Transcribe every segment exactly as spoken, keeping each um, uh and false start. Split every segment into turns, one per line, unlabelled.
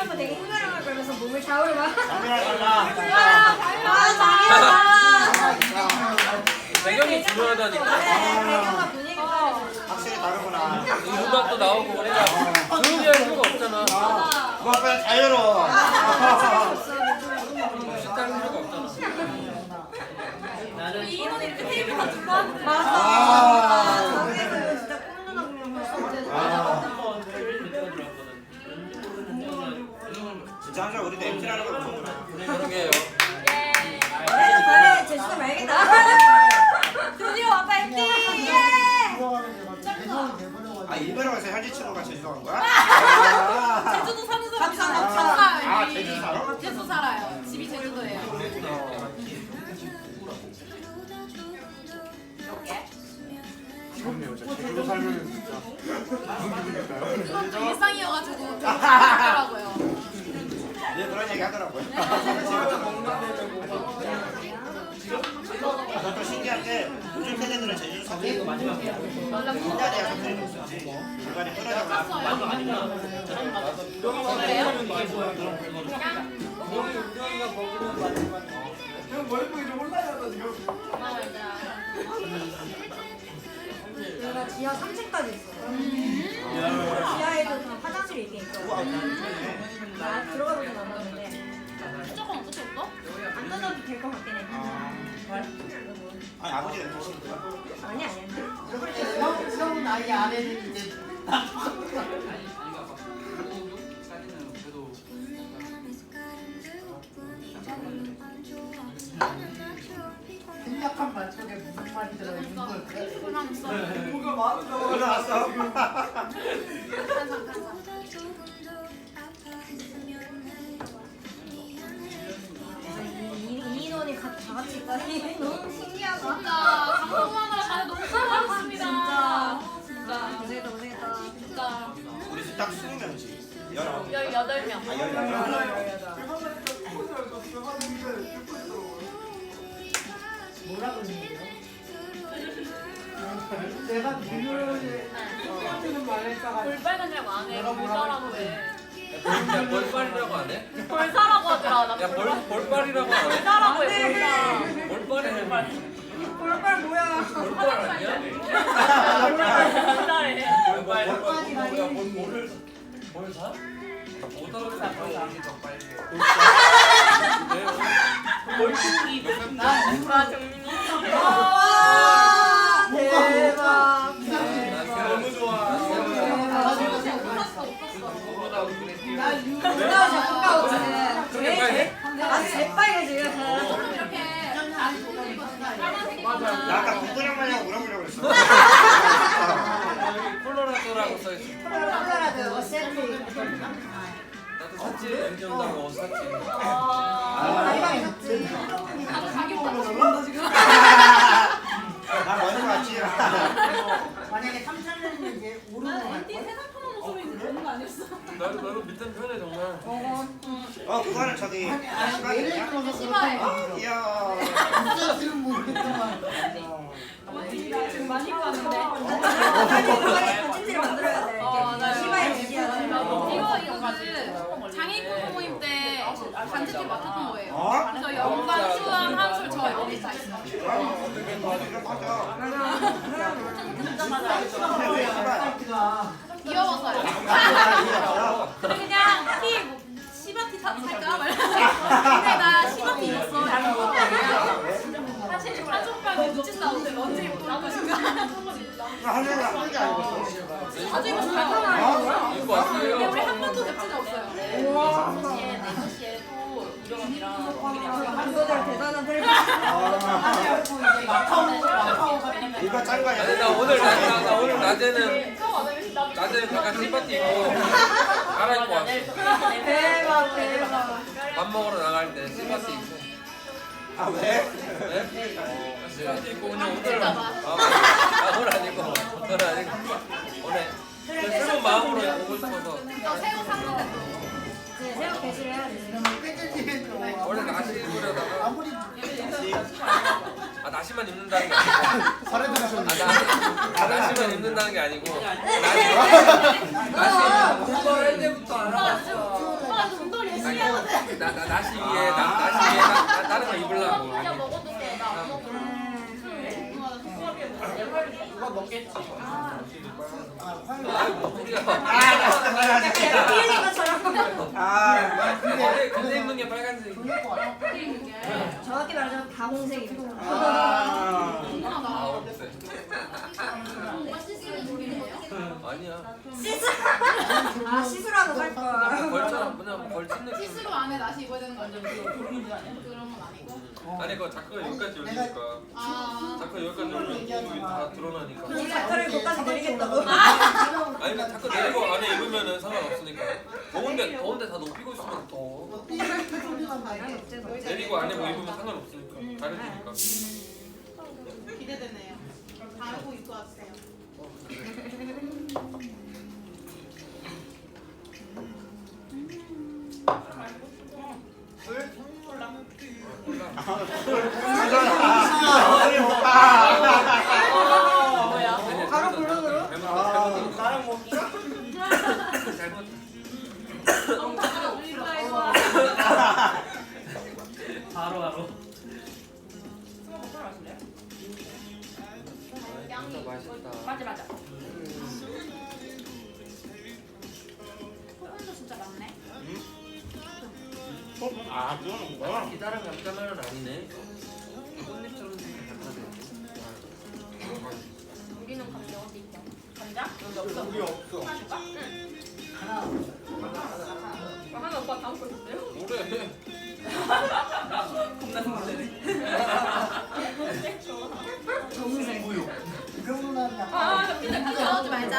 오빠 되게 힘들어할 거면서 몸을 좌우로 막.
장미랑 달라.
아, 장미야.
배경이 중요하다니까.
배경과 분위기가
확실히 다르구나.
음악도 나오고 그래야 조용히 할 필요가 없잖아.
뭐 그냥 자유로워.
식당 필요가 없잖아.
이인원이 이렇게 테이블 다 둘러 하는데. 맞아.
아.
저기서 진짜 콧누나 그냥 벌써
진짜 항상 우리도 엠티라는 걸 보는구나.
그러게요.
그래도 그래 제주도 말겠다. 드디어 왔다 엠티. 예.
아 일본에 가서 현지 친구가 제주도 간 거야? 아.
제주도 사는 사람이
감사, 감사.
감사해요.
아 제주 살아?
제주도 살아요. 집이 제주도예요.
제주도 살면 진짜 무슨 기분일까요?
제주도 일상이어가지고 좀 그렇더라고요.
네 그런 얘기 하더라고요. 저도 신기한 게 요즘 세대들은 제주도 사투리 마지막이야. 옛날에야 사투리가 없었지. 중간에 끊어져가지고.
형 머리 보기 좀 혼나셨다 지금.
내가 지하 삼 층까지 있어요. 지하에도 다 화장실이 있게 있고. 나 들어가 보진 않았는데
무조건 어떻게 했어?
안 던져도 될 것 같긴 해.
아니 아버지가 계신 거야?
아니 아니 아니.
형, 형은 아예 아내는 이제 생략한 말속에 무슨 말이 들어있는 걸까?
불안했어.
뭐가 많은가
일어났어.
이인원이 다 같이 있다니 너무 신기하다.
진짜 방송하느라 다들 너무 수고하셨습니다.
진짜 고생했다 고생했다.
진짜
우리 집 딱 스무 명이지. 열아홉.
열여덟 명.
아 열여덟.
뭐라고 했는데요? 내가 비밀을 똑같은 말을 했다가
볼빨간이라고 안 해. 볼사라고 해.
야, 볼빨이라고 안 해?
볼사라고 하더라. 나
야, 볼, 볼빨이라고 안 해?
볼사라고 해.
볼빨이
볼사.
볼빨 뭐야?
볼빨 아니야?
볼사래.
볼빨. 야, 볼, 볼을, 볼 사? 못 알아듣겠어. 볼빨이.
나 정민이.
와 대박.
너무 좋아.
누나 가까워 지금.
그렇게 빨개?
아 재빨개 지금.
이렇게 빨간색이
나 아까 군도랑 마냥 물어보려고 그랬어.
콜로라도라고 써있어.
콜로라도 셀피.
나도 샀지. 엠지 온다고 옷 샀지.
가위바위 샀지.
나도 자기 오빠 죽는다 지금.
나 먼저 왔지.
만약에 삼천 년이면 이제 오르는 거
엔티 세상 편한 목소리 듣는 거 아니었어?
나도 나도 밑에 편해 정말.
어 그거는 저기
아니 아니 예를
시간이냐?
들어서
심하해.
그렇다고
이야.
있었으면 모르겠지만
지금 많이 봤는데.
찐지를 만들어야 돼.
어, 맞아요.
시바의 지지야.
이거 이거 그 장애인 모임 때 간접기 맡았던 거예요.
어?
그래서 영광, 수원, 한술 저 여기 다 있어요.
이거 맞아.
사이트가
왜 씨발?
사이트가
귀여워서요.
아,
근데 그냥 티 뭐, 시바티 사 살까? 막 이러는데 근데 나 시바티 입었어. 사실 사족발 눈치 싸우는데 언제 입고 올 것인가.
하늘은 한게 아니고.
자주 입었어요.
입고 왔어요.
근데 우리 한 번도 뵙진 없어요.
이거들 대단한 텔레비.
이거 짠 거야.
아니 나 오늘 나, 나, 나 오늘 낮에는 낮에는 잠깐 시바티 입고 갈아입고 왔어.
대박 대박.
밥 먹으러 나갈 때 시바티 입고.
아 왜?
네? 시바티 입고 그냥 오늘
봐.
아, 아 오늘 아니고 오늘 아니고 오늘 그 새로운 마음으로 오고 싶어서
저 새우 샀는데 또.
이제 새우 게시를 해야 돼.
원래 나시 입으려다가
아무리
아 나시만 입는다는 게 아니고
살에 들으셨는데.
아, 나, 아 나시만 입는다는 게 아니고 나시 나시
오빠가 오빠도 운동 열심히 하거든.
나, 나, 나시 위에, 나, 나시 위에, 나, 나, 다른 거 입으려고.
진짜 먹어도 돼. 나안 먹어.
누가 먹겠지.
아이고, 우리가.
아, 진짜 빨간색.
피해진 것처럼.
아,
근데, 근데 입는 게 빨간색.
정확히 말하자면 다홍색입니다.
아.
아, 없어.
오빠 시스루 준비해요?
아니야.
시스. 아 시스루하고 살 걸.
벌처럼 그냥 벌친 느낌.
시스루 안에 나시 입어야 되는 거 아니야? 그런 건 아니고.
아니, 그 자크가 여기까지 열리니까.
아.
자크 여기까지 열리면 여기 다 드러나니까.
이 자크를 거기까지 내리겠다고.
아니, 근데 자크 내리고 안에 입으면은 상관없으니까. 더운데, 더운데 다 높이고 있으면 더. 내리고 안에 뭐 입으면 상관없으니까. 다르니까.
기대되네요. 다음에 꼭 입고 와주세요.
뭐야?
바로 블루으로?
나랑 먹기.
바로 바로.
양이
맛있다.
맞아 맞아. 소금도 진짜 많네.
아, 그거는 뭐야?
기다란 감자말은 아니네. 꽃잎처럼 생긴 감자네.
우리는 감자 어디 있죠? 감자? 여기 없어.
우리 없어.
줄까? 응.
하나.
하나 오빠 다음 거 줬어요?
뭐래?
겁나 놀래네.
정색.
이 정도는 약간.
아, 저 피자 피자 넣지 말자.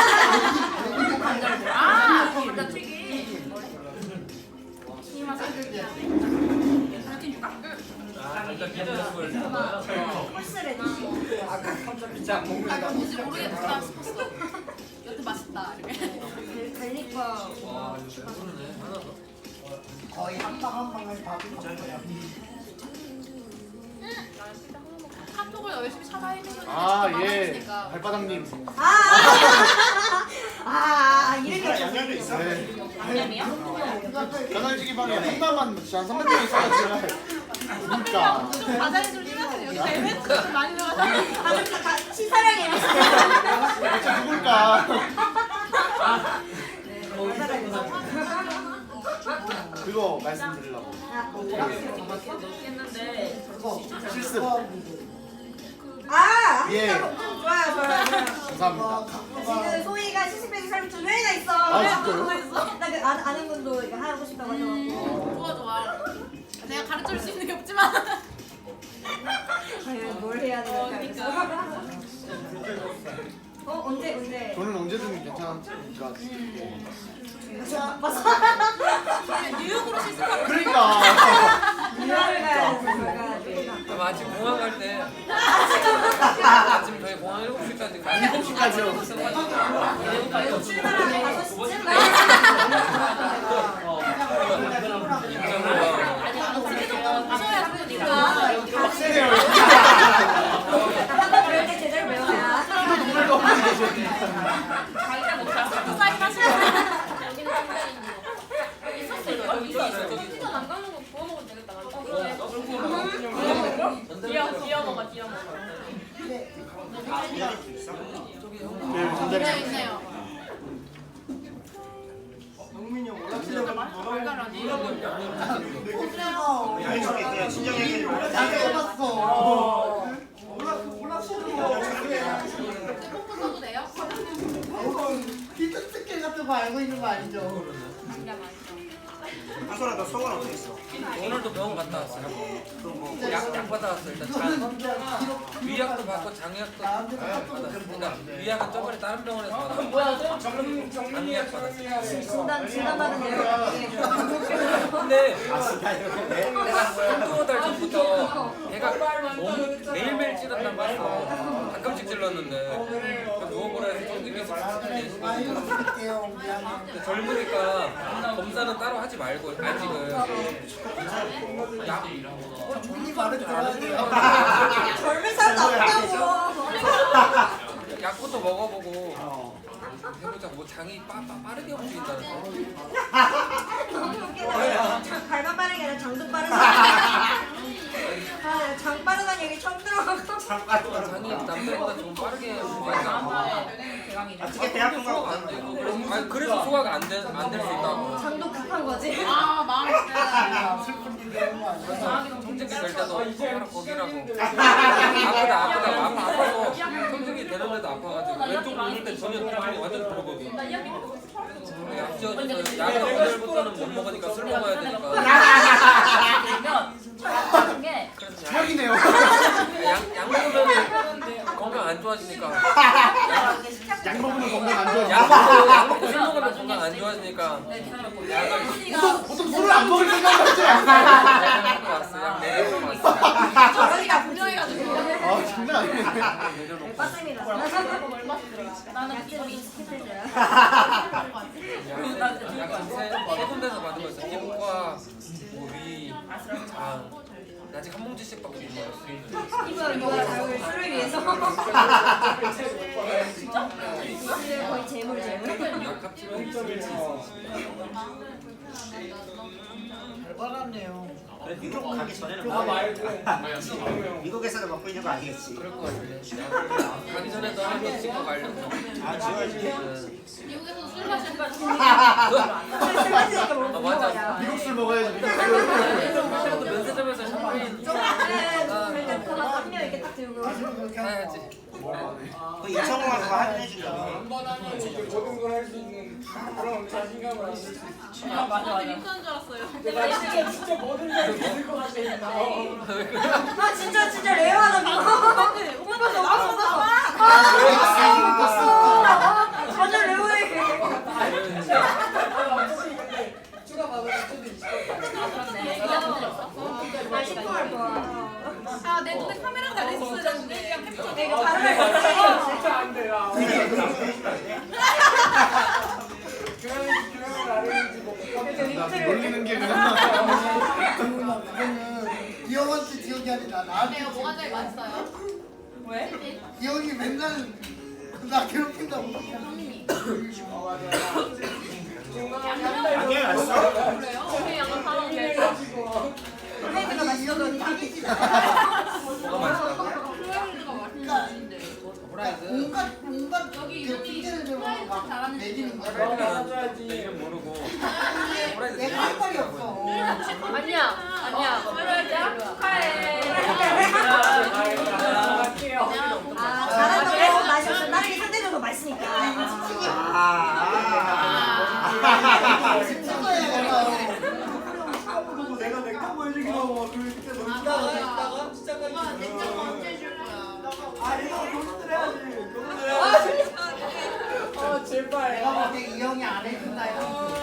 감자를 아, 감자 튀김. 이 맛을 느끼하네. 감자 튀김 줄까? 응.
아, 일단 기다렸을 거야.
홀스레디.
아까 감자 피자 안
아,
먹는다.
뭔지 모르겠다 싶었어. 여튼 맛있다. 이렇게.
갈릭과
와, 이거 배부르네. 하나 더.
거의 한 방 한 방을 밥이 먹어요.
카톡을 열심히 찾아헤매서
아 예.
많아지니까.
발바닥님.
아, 아, 이름이
이거랑 양념도 있어?
네.
양념이요?
전화지기 방에 한 달만 진짜 한 삼백 명 있어가지고. 그러니까.
좀 과자에 좀 심각해요. 여기 에벤트 좀 많이 들어가서.
다들 다 시사량이
대체 누굴까? 그거 말씀드리려고.
그거
실습.
아,
예.
좋아요, 좋아요, 좋아요.
감사합니다.
지금 소희가 시스백이 사람이 두 명이나 있어.
아, 진짜요?
나그 아는 분도 이거 하고 싶다고 하셔가지고.
좋아 좋아. 내가 가르쳐줄 수 있는 게 없지만.
과연 뭘 해야
어,
되나.
그러니까.
어 언제 언제?
저는 언제든 괜찮으니까.
바빠서.
뉴욕으로 실습하고.
그러니까.
유학을 가야 돼.
아마 아침 공항 갈 때. 아침 저희 공항 일곱 시까지 가.
일곱 시까지요.
출발하면 다섯 시쯤.
입장으로 가.
집에 좀 가셔야 하니까.
빡세네요.
한번 배울 때 제대로 배워야.
눈물도 없는 게 좋네.
자기가 뭐 잘못 사인 하시면. 여기는 여기 있었어요. 여기 있었어요. 피자 남가는 거 구워 먹으면 되겠다. 어 그래. 뒤어 뒤어 먹어 뒤어 먹어.
양념도 있어?
네, 전자레인지.
네 있네요.
영민이 형 올라치려고
달걀아니.
양념이 있대요. 친정 얘기를
잘 해봤어.
콩도 써도 돼요?
피자 스킬 같은 거 알고 있는 거 아니죠?
진짜 맛있어.
한솔아, 너 속은 어떻게 있어?
오늘도 병원 갔다 왔어요. 약, 약 받아왔어. 일단 장, 위약도 받고 장약도 받았어. 그러니까 위약은 저번에 다른 병원에서 받았어. 장약 받았어.
진단 진단 받은데요.
근데 내가 한두 달 전부터 배가 너무 매일매일 찌른단 말이야. 가끔씩 찔렀는데 누워보라 해서 쫑기면서
아이고 부탁해요. 미안해.
근데 젊으니까 검사는 따로 하지 말고 아직은 약
본인 말을 들어야 돼요.
젊은 사람도 없다고.
약부터 먹어보고
어.
해보자. 뭐 장이 빠, 빠, 빠르게 움직인다는 거.
장 발만 빠르게 아니라 장도 빠르게. 아, 장 빠르다는 얘기 처음 들어가고.
장이 남들보다 좀 빠르게 움직인다.
어떻게 대학교
소화가
가고
안 되고 그래서, 아니, 그래서 소화가 안될 안 될 수 있다고.
장도 급한 거지.
아 망했어.
슬픈 일 되는 거 아니야?
청진기 될 때도 바로 거기라고. 아프다 아프다 아파 아파서 청진기 되는데도 아파가지고 왼쪽 누를 때 전혀 통증이 완전 들어거든. 약 지어줘서 약을 오늘부터는 못 먹으니까 술 먹어야 되니까. 그래서 약,
사기네요.
약, 약 먹으면 건강 안 좋아지니까.
약 먹으면 건강 안 좋아.
약 먹고 약 먹고 술 먹으면 건강 안 좋아지니까. 약을
보통 보통 술을 안 먹을 생각이었지.
약 먹고 왔어. 약 내려놓고 왔어.
저러니까 분명해가지고.
아 장난 아니네.
내려놓고.
빠집니다.
나는
약좀 익숙해져요.
약세 군데서 받은 거 있어. 피부과, 뭐 위, 장. 아직 한 뭉치씩밖에 못 먹었어.
이거 이거 자극을 술을 위해서. 진짜? 거의 재물 재물.
약 합치면 있을 수 있어.
잘 받았네요.
그래 미국 가기 전에는 뭐 미국에서도 먹고 있는 거 아니겠지?
그럴 것 같은데. 가기 전에도 한 번 찍고 가려고.
아 지워야지.
미국에서 술 마시니까
술 마시니까
아,
뭐
맞아.
먹어야.
미국 술 먹어야지. 미국 술.
그래도 면세점에서 샴페인
일단 그거 한 명 이렇게 딱 들고.
사야지.
그 이천공 가서 할인해 준다.
모든 걸 할 수 있는 그런 자신감을 가질 수 있어.
아 맞아 맞아. 괜찮은 줄 알았어요.
내가 진짜 진짜 모든 걸 믿을 것 같아.
아 진짜 진짜 레어하다 그거. 오빠가 나왔어 나왔어. 전혀 레어해.
추가 받을 수도 있어.
나 십구 할 거야.
아내 눈에 카메라가 달려있어야 되는데 그냥 캡처.
내가 발음을 못해.
진짜 안 돼. 야. 그러면 그러면 나를 뭐
놀리는 게 그냥.
그거는 기영한테 기억이 아니라 나한테.
내가 뭐가 제일 맛있어요?
왜?
기영이 맨날 나 괴롭힌다고.
형님이.
안경이 왔어?
그래요? 우리 약간 사람 제일 좋아.
플레이드가 맛있어도 딱이지.
뭐가 맛있다고?
프라이드가 맛있는데.
프라이드?
온갖 온갖
여기
그
이름이
핑계를 대고
프라이드
막
잘하는
내리는 거야.
프라이드는 내 이름 모르고. 프라이드
내가 할 말이 없어.
아니야 아니야. 프라이드야? 축하해.
아 잘한다고 맛이 없어. 다른 게 상대적으로 맛있으니까.
아.
진짜야 내가.
내가 내거 보여주기로 그때 너무
있다가 있다가 오빠 냉장고 언제 줄 거야?
아 이거 고민을 해야지. 고민을 해야지. 아 제발.
내가 봤을 때 이 형이 안 해준다 형.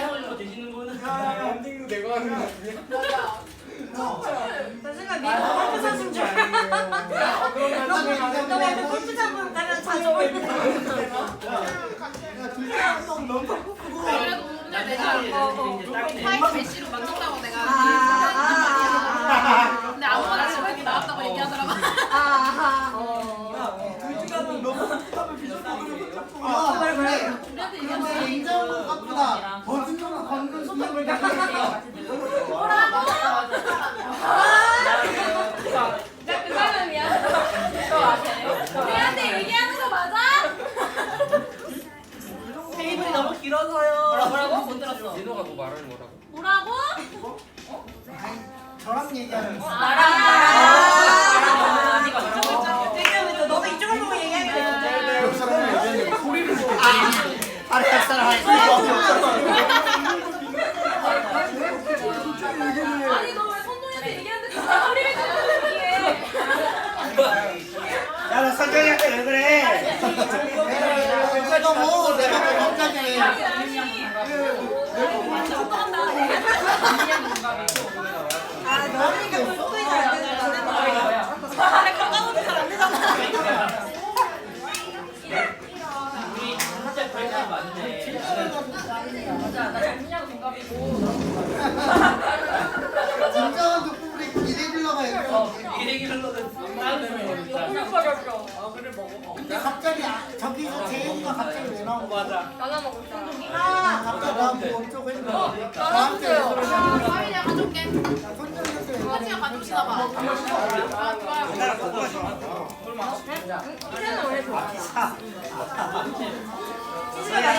야 엔딩도 내가 하는 거 아니야?
나 순간 미국 골프 선수인 줄 알았어.
그럼 나중에
너 왜 골프장 가면 자주 보이는데?
그래도 오늘 내가 파이트 메시로 만든다고 내가.
아,
근데 아무거나 집에 나왔다고 얘기하더라고.
아, 어.
둘째가는 너무 하면 비슷하게
아
그래 그래.
우리한테
이거
얘기하면
냉장고 갖고다 버튼으로 건근 소통을 다
나 그 사람이야. 우리한테 얘기하는 거 맞아?
테이블이 너무 길어서요.
뭐라고? 못 들었어.
민호가 뭐 말하는 거라고?
뭐라고?
저랑 얘기하는 거.
나랑
아, 왜냐면 너도 이쪽을 보고 얘기하게 되는데.
옆 사람이 얘기하는데 소리를 듣고.
아래 할 사람 할
아니 너 왜 선동이한테 얘기하는데 진짜 소리를 듣는 얘기해?
야너 선정이한테 왜 그래?
내가 뭐 내가 뭐 갑자기
아, 너니까 골프이 잘 되는 거야.
건강은 잘안 되잖아.
진정한 족보물에 기대 빌러가 있어.
일단
근데 갑자기 아- 저기서 재현이가 갑자기 왜 나온 거야?
나눠 먹을 사람.
아, 갑자기 나보고 어쩌고 했는데 나한테 왜
나눠주세요.
그러냐?
사위 내가 가져올게.
손정한테 왜
같이 가져오시나 봐. 아, 좋아요.
누나랑 그거 좋아.
이제는 원래 좋아요.